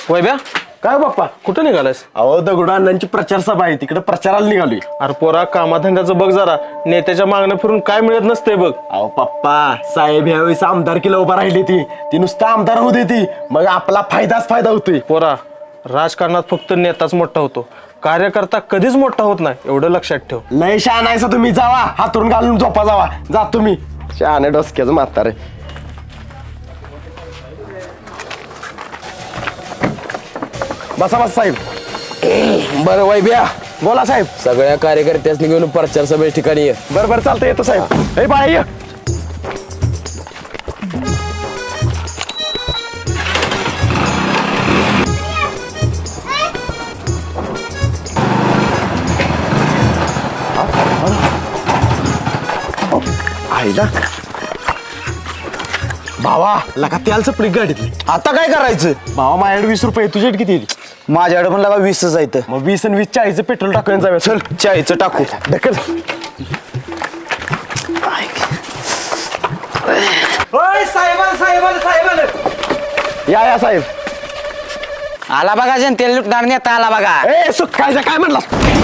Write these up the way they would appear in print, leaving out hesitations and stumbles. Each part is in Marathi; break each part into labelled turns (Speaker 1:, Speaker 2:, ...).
Speaker 1: वैभ्या
Speaker 2: काय बाप्पा
Speaker 1: कुठं निघालायस?
Speaker 2: अहो दगडू अण्णांची प्रचार सभा आहे तिकडे प्रचाराला निघालोय.
Speaker 1: अरे पोरा कामाधंद्याचं बघ जरा, नेत्याच्या मागण्या फिरून काय मिळत नसते बघ.
Speaker 2: अहो पप्पा साहेब ह्यावेळेस आमदारकीला उभा राहिली ती नुसतं आमदार होऊ देती मग आपला फायदाच फायदा होतोय.
Speaker 1: पोरा राजकारणात फक्त नेताच मोठा होतो, कार्यकर्ता कधीच मोठा होत नाही, एवढं लक्षात ठेव.
Speaker 2: लय शहाणा आहे तुम्ही, जावा हातरून घालून झोपा जावा. जात तुम्ही शहाणे डोसक्याचं म्हातारे. बसा बसा साहेब.
Speaker 3: बरं वैभ्या,
Speaker 2: बोला साहेब.
Speaker 3: सगळ्या कार्यकर्त्यांनी घेऊन प्रचार सभे ठिकाणी ये.
Speaker 2: बरं बरं चालतं येतो साहेब. ए बाळा ये. आईला भावा लगा तेल चपडी गाडीतली.
Speaker 4: आता काय करायचं?
Speaker 2: भावा माझ्याकडे 20 रुपये, तुझ्याकडे किती येईल?
Speaker 4: माझ्याकडे पण लगा 20च जायचं.
Speaker 2: मग 20 आणि 20 40 पेट्रोल टाकून जाऊया. चल
Speaker 4: चायचं टाकू.
Speaker 2: ढकल. या साहेब.
Speaker 4: आला बघा जनतेला लुटणार नेता आला बघा.
Speaker 2: ए सुख काय म्हणला?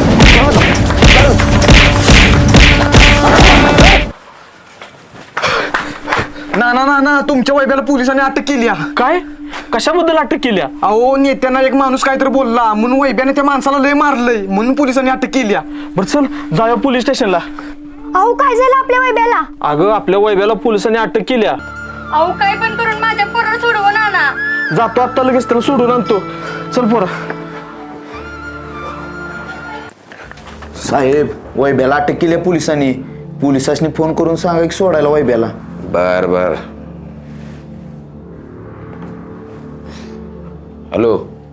Speaker 5: ना तुमच्या वैभ्याला पोलिसांनी अटक केली.
Speaker 1: काय? कशाबद्दल अटक केली?
Speaker 5: अहो नेत्यांना एक माणूस काहीतरी बोलला म्हणून वैभ्याने त्या माणसाला लय मारलंय म्हणून पोलिसांनी अटक केली.
Speaker 1: बरं चल जाऊया पोलीस स्टेशनला.
Speaker 6: अहो काय झालं आपल्या वैभ्याला?
Speaker 1: अगं आपल्या वैभ्याला पोलिसांनी अटक केली.
Speaker 6: अहो काय पण करून माझ्या पोराला सोडवून आणा.
Speaker 1: जातो आता लगेच त्याला सोडून आणतो. चल पोरा.
Speaker 4: साहेब वैभ्याला अटक केली पोलिसांनी. पोलिसांनी फोन करून सांगा की सोडायला वैभ्याला.
Speaker 3: बर बर. हॅलो.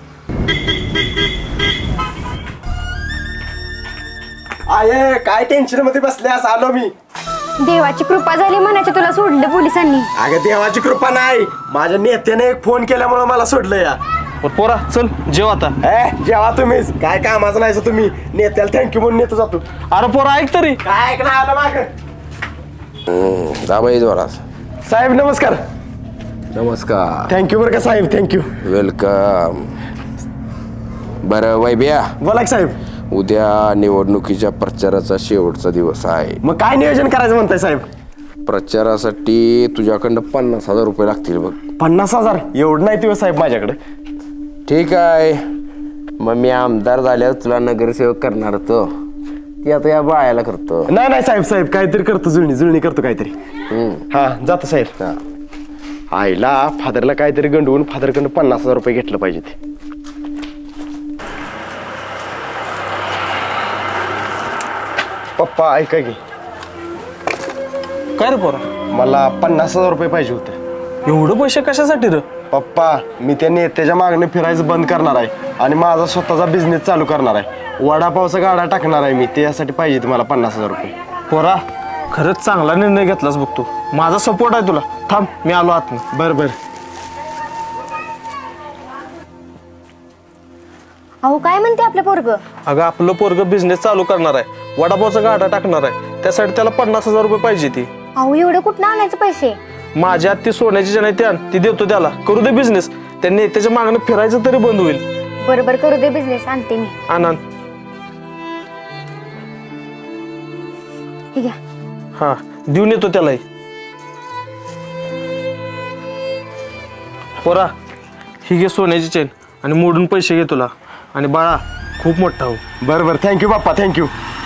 Speaker 2: आये काय टेन्शन मध्ये बसल्यास आलो मी.
Speaker 6: देवाची कृपा झाली म्हणायचं तुला सोडलं पोलिसांनी.
Speaker 2: अगं देवाची कृपा नाही, माझ्या नेत्याने एक फोन केल्यामुळे मला सोडलं या.
Speaker 1: बरं पोरा चल जेव आता.
Speaker 2: जेव्हा तुम्हीच काय कामाचं नाही तुम्ही. नेत्याला थँक्यू म्हणून नेतो जातो.
Speaker 1: अरे पोरा ऐक तरी.
Speaker 2: काय ऐक ना आलं माग.
Speaker 3: दाबाई जोरात.
Speaker 2: साहेब नमस्कार.
Speaker 3: नमस्कार.
Speaker 2: थँक्यू बरं का साहेब, थँक्यू.
Speaker 3: वेलकम. बरं वैभ्या,
Speaker 2: बोला की साहेब.
Speaker 3: उद्या निवडणुकीच्या प्रचाराचा शेवटचा दिवस आहे.
Speaker 2: मग काय नियोजन करायचं म्हणताय साहेब?
Speaker 3: प्रचारासाठी तुझ्याकडनं 50,000 रुपये लागतील बघ.
Speaker 2: 50,000 एवढं नाही दिवस साहेब माझ्याकडे.
Speaker 3: ठीक आहे, मग मी आमदार झाल्यावर तुला नगरसेवक करणार होतो, ती आता या बाळाला करतो.
Speaker 2: नाही साहेब काहीतरी करतो, जुळणी करतो काहीतरी. हा जातो साहेब. आईला फादरला काहीतरी गंडवून फादरकडनं 50,000 रुपये घेतलं पाहिजे ते. पप्पा ऐका की,
Speaker 1: काय रे पोरा?
Speaker 2: मला 50,000 रुपये पाहिजे होते.
Speaker 1: एवढं पैसे कशासाठी रे?
Speaker 2: पप्पा मी त्या नेत्याच्या मागणे फिरायचं बंद करणार आहे आणि माझा स्वतःचा बिझनेस चालू करणार आहे. वडापावचा गाडा टाकणार आहे मी, त्यासाठी पाहिजे मला 50,000 रुपये.
Speaker 1: पोरा खरंच चांगला निर्णय घेतलास बघ तू. माझा सपोर्ट आहे तुला. थांब मी आलो आत.
Speaker 2: बरं.
Speaker 6: अहो काय म्हणते आपलं पोरग?
Speaker 1: अगं आपलं पोरग बिझनेस चालू करणार आहे, वडापावचा गाडा टाकणार आहे, त्यासाठी त्याला 50,000 रुपये पाहिजे. ती
Speaker 6: अहो एवढं कुठं आणायचं पैसे?
Speaker 1: माझ्या ती सोन्याची जण आहे ती देतो त्याला. करू दे बिझनेस. त्यांनी त्याच्या मागणं फिरायचं तरी बंद होईल.
Speaker 6: बरोबर करू दे बिझनेस, आणते मी.
Speaker 1: आनंद.
Speaker 6: हे घ्या.
Speaker 1: हा देऊन येतो त्यालाही. पोरा ही घे सोन्याची चेन आणि मोडून पैसे घे तुला. आणि बाळा खूप मोठा हो.
Speaker 2: बरं थँक्यू बाप्पा, थँक्यू.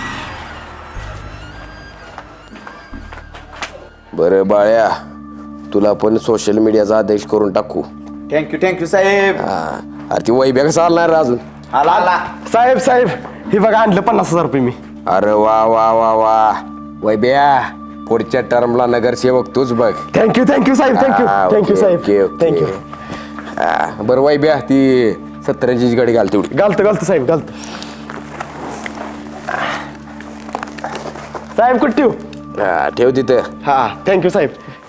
Speaker 3: बरं बाळ्या, तुला पण सोशल मीडियाचा आदेश करून टाकू.
Speaker 4: थँक्यू साहेब.
Speaker 3: अरे ती वैभ्या कसं आला रे अजून?
Speaker 4: आला.
Speaker 2: साहेब हे बघा आणलं 50,000 रुपये मी.
Speaker 3: अरे वा वा वा वा वैभ्या, पुढच्या टर्मला नगरसेवक तूच बघ.
Speaker 2: थँक्यू साहेब, थँक्यू साहेब, थँक्यू.
Speaker 3: बरं वैभ्या, ती 70ची गाडी घाल तेवढी.
Speaker 2: घालतो साहेब, घालतो. साहेब कुठे ठेवू?
Speaker 3: ठेव तिथं.
Speaker 2: हा थँक्यू साहेब.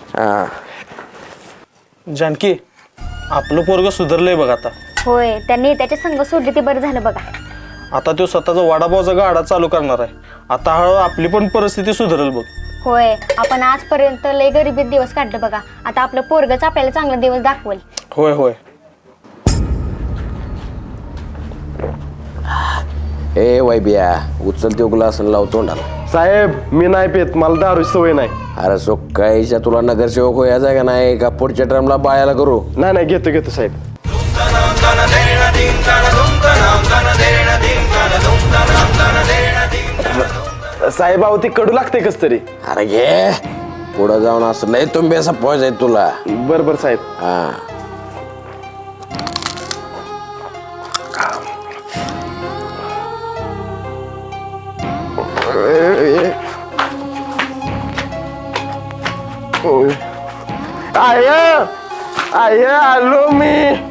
Speaker 1: जानकी आपलं पोरग सुधारलंय बघ आता.
Speaker 6: होय त्यांनी त्याच्या संघ सोडले ते बरं झालं बघा.
Speaker 1: आता तो स्वतःचा वडापावचा गाडा चालू करणार आहे. आता हळूहळू आपली पण परिस्थिती सुधारेल बघ.
Speaker 6: होय आपण आजपर्यंत लय गरिबीत दिवस काढले बघा. आता आपलं पोरगच आपल्याला चांगला दिवस दाखवेल.
Speaker 1: होय
Speaker 3: ए वैबिया उचल तो ग्लास आणि लाव तोंडाला.
Speaker 2: साहेब मी नाही पेत, मला दारूची सवय नाही.
Speaker 3: अरे सोकाईच्या तुला नगरसेवक व्हायचा का नाही का पुढच्या टर्मला बायाला करू.
Speaker 2: नाही घेतो साहेब. साहेब अहो ती कडू लागते कस तरी.
Speaker 3: अरे घे पुढं जाऊन असं लय तुम्ही असं पोहायचं तुला.
Speaker 2: बरोबर साहेब.
Speaker 3: हा
Speaker 2: आय आलो मी.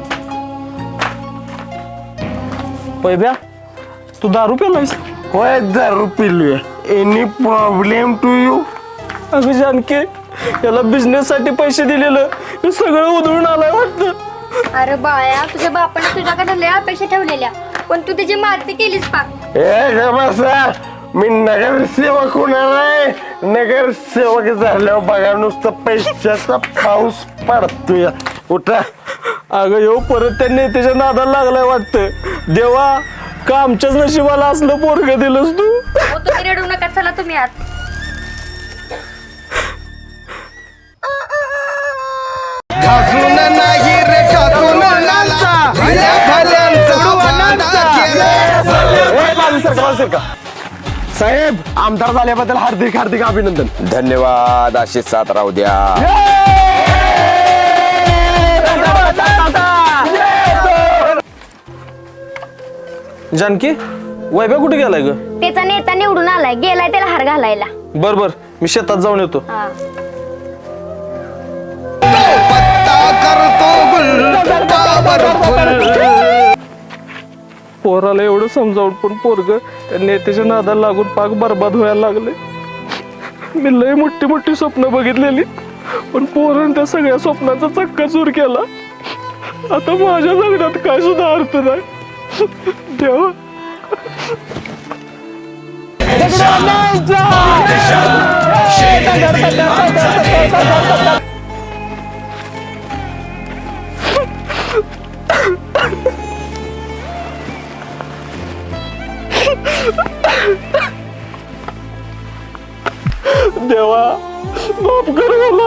Speaker 1: वैभ्या तू दारू पेलायस?
Speaker 2: होय दारू पिलोय. Any problem to you?
Speaker 1: अगं जानके याला बिझनेस साठी पैसे दिलेलं हे सगळं उधळून आलाय वाटतं.
Speaker 6: अरे बाळा तुझ्या बापाने तुझ्याकडे लय अपेक्षा ठेवलेल्या पण तू त्याची मारती केलीस पा.
Speaker 2: ए बसा, मी नगरसेवक होणार आहे. नगरसेवक झाल्यावर बघा नुसतं पैशाचा पाऊस पडतोय. उठा.
Speaker 1: अगं येऊ परत त्या नेत्याच्या नादाला लागलाय वाटतं. देवा का आमच्याच नशिबाला असलं पोरग दिलंस तू.
Speaker 6: हो तुम्ही रडू नका चला तुम्ही आत.
Speaker 2: साहेब आमदार झाल्याबद्दल हार्दिक हार्दिक अभिनंदन.
Speaker 3: धन्यवाद. अशीच साथ राहू द्या.
Speaker 1: जानकी वैभ्या कुठे गेलाय ग?
Speaker 6: त्याचा नेता निवडून आलाय गेलाय त्याला हार घालायला.
Speaker 1: बर मी शेतात जाऊन येतो.
Speaker 6: हा.
Speaker 1: पोराला एवढं समजावून पण पोरग त्या नेत्याच्या नादाला लागून पाक बरबाद व्हायला लागले. मी लय मोठी मोठी स्वप्न बघितलेली पण पोरानं त्या सगळ्या स्वप्नाचा चक्काचूर केला. आता माझ्या जगण्यात काय सुद्धा अर्थ नाही. देवा देवा माफ कर मला.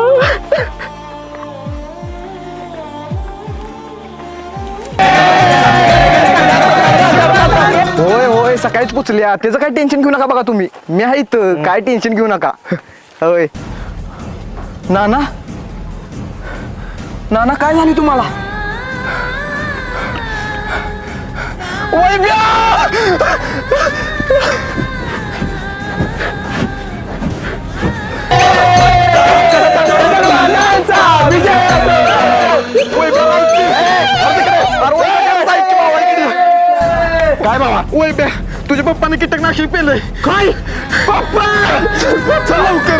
Speaker 5: होय होय सकाळीच पोचल्या त्याचं काय टेन्शन घेऊ नका बघा तुम्ही. मी आहे इथं काय टेन्शन घेऊ नका. होय नाना नाना काय झाली तुम्हाला?
Speaker 2: काय बाबा?
Speaker 5: वैभ्या तुझ्या पप्पाने कीटकनाशक पेलंय.
Speaker 2: काय पप्पा
Speaker 5: चल लवकर.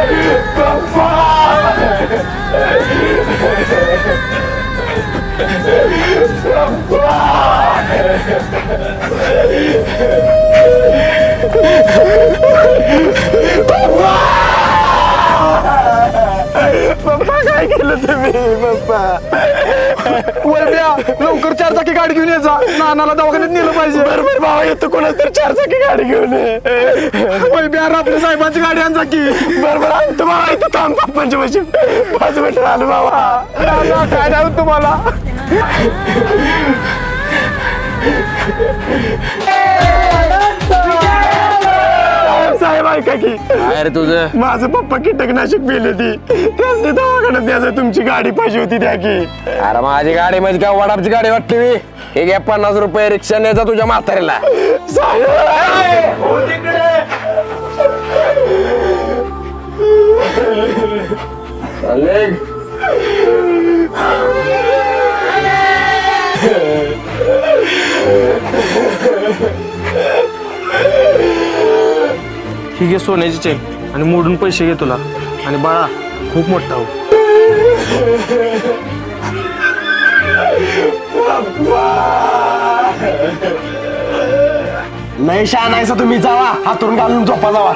Speaker 2: पप्पा काय केलं तुम्ही? पप्पा
Speaker 5: वैभ्या लवकर 4 चाकी गाडी घेऊन यायचा नानाला दवाखान्यात नेलं पाहिजे.
Speaker 2: बरोबर बाबा येतो. कोणाच तर 4 चाकी गाडी घेऊन
Speaker 5: वैभ्या आपल्या साहेबांची गाडी आणजा की.
Speaker 2: बरोबर आणतो बाबा. इथं थांब पप्पांच्या पाशी 5 मिनिटं आलो बाबा.
Speaker 5: नाना काय झालं तुम्हाला?
Speaker 2: साहेब ऐका की
Speaker 3: काय रे तुझं?
Speaker 2: माझं पप्पा कीटकनाशक पेले ती त्याच दवाखान्यात द्यायचं. तुमची गाडी पाहिजे होती द्या की.
Speaker 3: अरे माझी गाडी म्हणजे काय वडापची गाडी वाटली मी. हे घ्या 50 रुपये रिक्षा न्यायचा तुझ्या म्हातारीला.
Speaker 1: ही घे सोन्याची चेन आणि मोडून पैसे घे तुला. आणि बाळा खूप मोठा हो.
Speaker 2: नाही शहाणायचा तुम्ही. जावा हातून घालून झोपा जावा.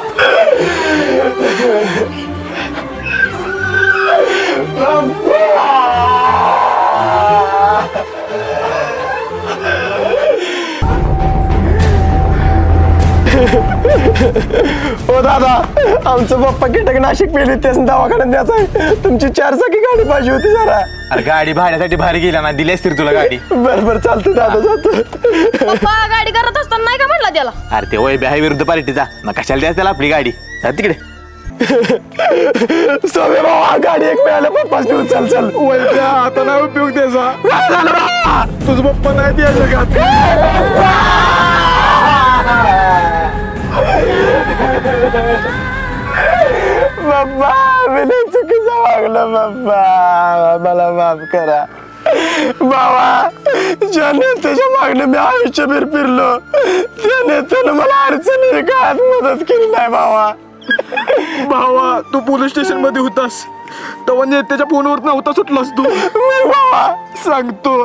Speaker 2: हो दादा, आमचं पप्पा कीटक नाशिक पेली त्याच दवाखान्यात न्यायचं आहे. तुमची 4 चाकी गाडी पाहिजे होती जरा.
Speaker 4: अरे गाडी भाड्यासाठी बाहेर गेला ना, दिली असती रे तुला गाडी.
Speaker 2: बरं चालतं दादा, जातो.
Speaker 7: पप्पा गाडी करत असताना नाही का म्हणला त्याला?
Speaker 4: अरे ते वय आहे विरुद्ध पार्टीचा, मग कशाला द्यायचं त्याला आपली गाडी. जा तिकडे.
Speaker 2: सोमे बाबा, गाडी एक मिळालं पप्पाच नेऊन. चल
Speaker 1: वैद्या, आता नाही उपयोग त्याचा. तुझं पप्पा नाही त्या जगात.
Speaker 2: बाप्पा, मी लय चुकीचं वागलं बाप्पा, मला माफ करा. बाबा, ज्या नेत्याच्या मागणं मी आयुष्यभर फिरलो, त्या नेत्यानं मला अडचणी काळात मदत केली नाही बाबा.
Speaker 1: भावा, तू पोलीस स्टेशन मध्ये होतास तेव्हा नेत्याच्या फोनवर नव्हता सुटलास तू.
Speaker 2: मी बाबा सांगतो.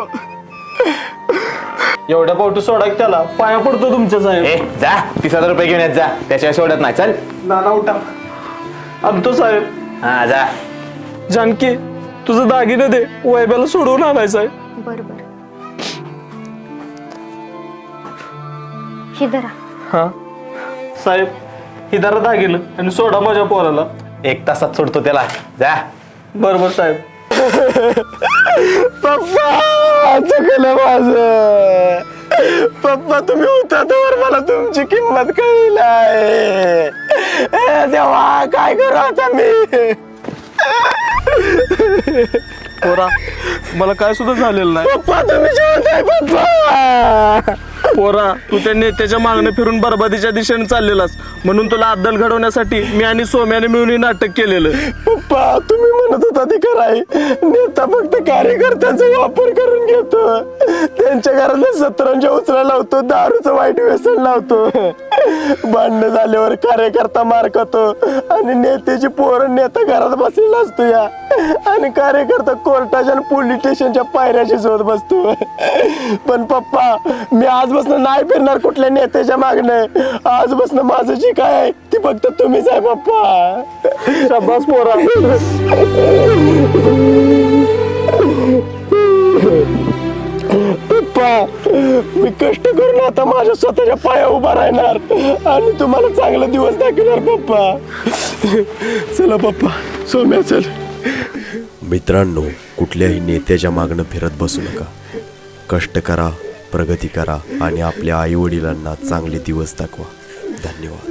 Speaker 1: एवढ्या पावटी सोडा की त्याला, पाया पडतो तुमच्या साहेब.
Speaker 4: ए जा, 30,000 रुपये घेऊन येत जा, त्याशिवाय सोडत नाही. चल.
Speaker 1: नाना उठा. आणतो साहेब.
Speaker 4: हा जा.
Speaker 1: जानकी, तुझं दागिनं दे, वैब्याला सोडवून आणायचं आहे.
Speaker 6: बरोबर. शिदरा.
Speaker 1: हा साहेब, हिदारा दागिनं आणि सोडा माझ्या पोराला.
Speaker 4: 1 तासात सोडतो त्याला. जा.
Speaker 1: बरोबर साहेब.
Speaker 2: पप्पा, चुकलं माझं. पप्पा, तुम्ही होता तर मला तुमची किंमत कळली नाही. तेव्हा काय करू आता मी?
Speaker 1: पोरा, मला काय सुद्धा झालेलं नाही.
Speaker 2: पप्पा, तुम्ही जेवत आहे पप्पा.
Speaker 1: पोरा, तू त्या नेत्याच्या मागणं फिरून बरबादीच्या दिशेने चाललेलास, म्हणून तुला अद्दल घडवण्यासाठी मी आणि सोम्याने मिळून हे नाटक केलेलं.
Speaker 2: पप्पा, तुम्ही म्हणत होता ते कराय. नेता फक्त कार्यकर्त्यांचा वापर करून घेतो, त्यांच्या घरातल्या सतरंजा उचलायला लावतो, दारूचं वाईट व्यसन लावतो. भांडणं झाल्यावर कार्यकर्ता मार खातो आणि नेत्याची पोरं नेता घरात बसलेला असतो या, आणि कार्यकर्ता कोर्टाच्या आणि पोलीस स्टेशनच्या पायऱ्याशी शोध बसतो. पण पप्पा, मी आजपासून नाही फिरणार कुठल्या नेत्याच्या मागणं. आजपासून माझं जी काय आहे ती फक्त तुम्हीच आहे पप्पा.
Speaker 1: शाबास पोरा.
Speaker 2: पप्पा, मी कष्ट करून आता माझ्या स्वतःच्या पाया उभा राहणार आणि तुम्हाला चांगला दिवस दाखवणार पप्पा. चला पप्पा, सोम्या चल.
Speaker 8: मित्रांनो, कुठल्याही नेत्याच्या मागणं फिरत बसू नका. कष्ट करा, प्रगती करा आणि आपल्या आईवडिलांना चांगले दिवस दाखवा. धन्यवाद.